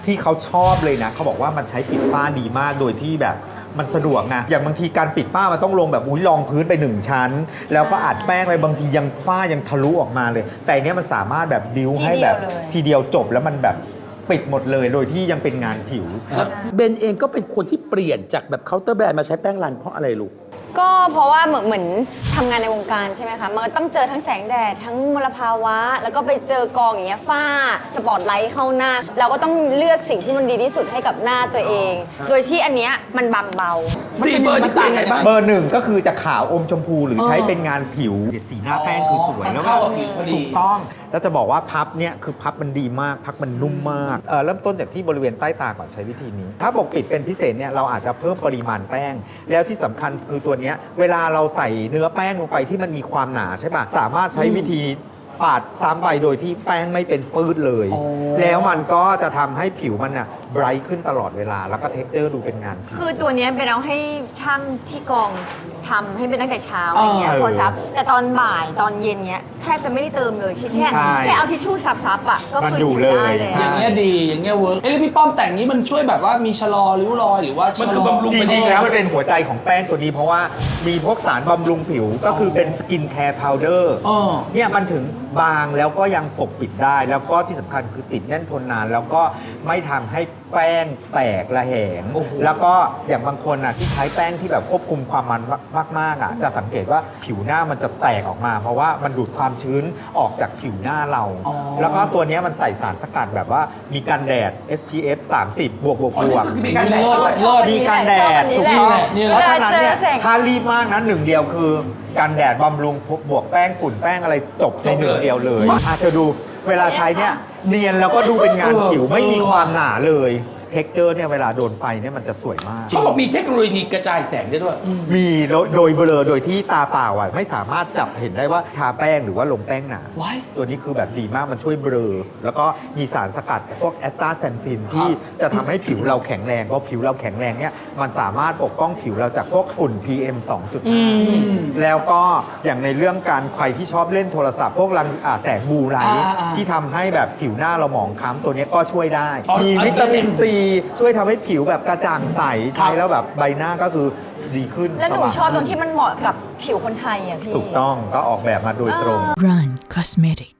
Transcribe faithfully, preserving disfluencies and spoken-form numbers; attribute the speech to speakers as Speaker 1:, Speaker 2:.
Speaker 1: ที่เขาชอบเลยนะเขาบอกว่ามันใช้ปิดฝ้าดีมากโดยที่แบบมันสะดวกไงอย่างบางทีการปิดฝ้ามันต้องลงแบบอุ้ยรองพื้นไปหนึ่งชั้น แล้วก็อัดแป้งไปบางทียังฝ้ายังทะลุออกมาเลย แต่อันเนี้ยมันสามารถแบบบิ้วให้แบบทีเดียวจบแล้วมันแบบปิดหมดเลยโดยที่ยังเป็นงานผิว
Speaker 2: แล้วเบนเองก็เป็นคนที่เปลี่ยนจากแบบเคาน์เตอร์แบรนด์มาใช้แป้งรันเพราะอะไรลูก
Speaker 3: ก็เพราะว่าเหมือนเหมือนทำงานในวงการใช่ไหมคะ มันก็ต้องเจอทั้งแสงแดดทั้งมลภาวะ แล้วก็ไปเจอกองอย่างเงี้ยฝ้าสปอตไลท์เข้าหน้า เราก็ต้องเลือกสิ่งที่มันดีที่สุดให้กับหน้าตัวเอง โดยที่อันเนี้ยมันบางเบา
Speaker 2: สี่เบอร์นี่ต่างกันบ้าง
Speaker 1: เบอร์หนึ่งก็คือจะขาวอมชมพูหรือใช้เป็นงานผิวสีหน้าแป้งคือสวยแล้วก็
Speaker 2: เข้ากับผิวพอดี
Speaker 1: ถูกต้องแล้วจะบอกว่าพับเนี่ยคือพับมันดีมากพับมันนุ่มมากเออเริ่มต้นจากที่บริเวณใต้ตาก่อนใช้วิธีนี้ ถ้าปกปิดเป็นพิเศษเนี่ยเราอาจจะเพิ่มปริมาณแป้ง แล้วที่สำคัญคือตัวเนี้ยเวลาเราใส่เนื้อแป้งลงไปที่มันมีความหนาใช่ปะสามารถใช้วิธีปาดซ้ำไปโดยที่แป้งไม่เป็นปื้ดเลย แล้วมันก็จะทำให้ผิวมันอ่ะไบรท์ขึ้นตลอดเวลาแล้วก็เท็กเจอร์ดูเป็นงานผิว
Speaker 3: คือตัวเนี้ยเป็นเอาให้ช่างที่กองทำให้เป็นตั้งแต่เช้าอะไรเงี้ย
Speaker 1: เออ
Speaker 3: พอซับ แต่ตอนบ่ายตอนเย็นเนี้ยแทบจะไม่ได้เติมเลยแค่
Speaker 1: ใช่
Speaker 3: แค่เอาทิชชู่ซับซับๆอ่ะก็
Speaker 1: มัน
Speaker 3: คือ
Speaker 1: อยู่
Speaker 3: อยู่ได้
Speaker 1: เลย
Speaker 3: แล้ว
Speaker 4: อย่างเงี้ยดีอย่างเงี้ยเวิร์กเอ้ยแล้วพี่ป้อมแต่งนี้มันช่วยแบบว่ามีชะลอริ้วรอยหรือว่าชะ
Speaker 2: มัน
Speaker 4: ล
Speaker 2: คือ
Speaker 4: อ
Speaker 2: บำรุง
Speaker 1: จริงๆแล้วมันเป็นหัวใจของแป้งตัวนี้เพราะว่ามีพวกสารบำรุงผิวก็คือเป็นสกินแคร์พาวเดอร์
Speaker 4: อ๋อ
Speaker 1: เนี่ยมันถึงบางแล้วก็ยังปกปิดได้ แล้วก็ที่สำคัญคือติดแน่นทนนาน แล้วก็ไม่ทำให้แป้งแตกระแหง
Speaker 4: โอ้โห
Speaker 1: แล้วก็อย่างบางคนอ่ะที่ใช้แป้งที่แบบควบคุมความมันมากๆอ่ะจะสังเกตว่าผิวหน้ามันจะแตกออกมา เพราะว่ามันดูดความชื้นออกจากผิวหน้าเรา แล้วก็ตัวเนี้ยมันใส่สารสกัดแบบว่ามีกันแดด เอส พี เอฟ สามสิบ บวกบวกบวก
Speaker 2: มีการแดด
Speaker 4: เลิศ
Speaker 3: ชอบ
Speaker 4: เลิศ
Speaker 1: มีกันแดด
Speaker 3: ชอบอันนี้
Speaker 1: ถู
Speaker 3: แห
Speaker 1: ก
Speaker 3: ละ
Speaker 1: ต้อง
Speaker 4: นี่แหละ
Speaker 1: เพราะฉะนั้นเนี่ย
Speaker 3: เวลาเจอแสง
Speaker 1: ถ้ารีบมากนะหนึ่งเดียวคือกันแดดบำรุงบวกแป้งฝุ่นแป้งอะไรจบในหนึ่งเดียวเลยอาจจะดูเวลาใช้เนี่ยเนียนแล้วก็ดูเป็นงานผิวไม่มีความหนาเลยเท็กเจอร์เนี่ยเวลาโดนไฟเนี่ยมันจะสวยมาก
Speaker 2: เขาบอกมีเทคโนโลยีกระจายแสงได้ด้วย
Speaker 1: มีโดยโดยเบลอโดยที่ตาเปล่าอ่ะไม่สามารถจับเห็นได้ว่าทาแป้งหรือว่าลงแป้งหนา
Speaker 4: ว้าย
Speaker 1: ตัวนี้คือแบบดีมากมันช่วยเบลอ แล้วก็มีสารสกัดพวกแอสตาแซนทินที่จะทำให้ผิวเราแข็งแรงเพราะผิวเราแข็งแรงเนี่ยมันสามารถปกป้องผิวเราจากพวกฝุ่น พี เอ็ม สองจุดห้า แล้วก็อย่างในเรื่องการใครที่ชอบเล่นโทรศัพท์พวกรังอ่าแสงบลูไลท์
Speaker 4: อ่าอ่า
Speaker 1: ที่ทำให้แบบผิวหน้าเราหมองคล้ำตัวนี้ก็ช่วยได้
Speaker 2: อ๋อ
Speaker 1: มี
Speaker 2: อันนี้
Speaker 1: วิตามินซีช่วยทำให้ผิวแบบกระจ่างใสใช้แล้วแบบใบหน้าก็คือดีขึ้น
Speaker 3: แล้วหนู
Speaker 1: สว่าง
Speaker 3: ชอบตรงที่มันเหมาะกับผิวคนไทยอ่ะพี่
Speaker 1: ถูกต้องก็ออกแบบมาโดยตรง
Speaker 5: Run Cosmetic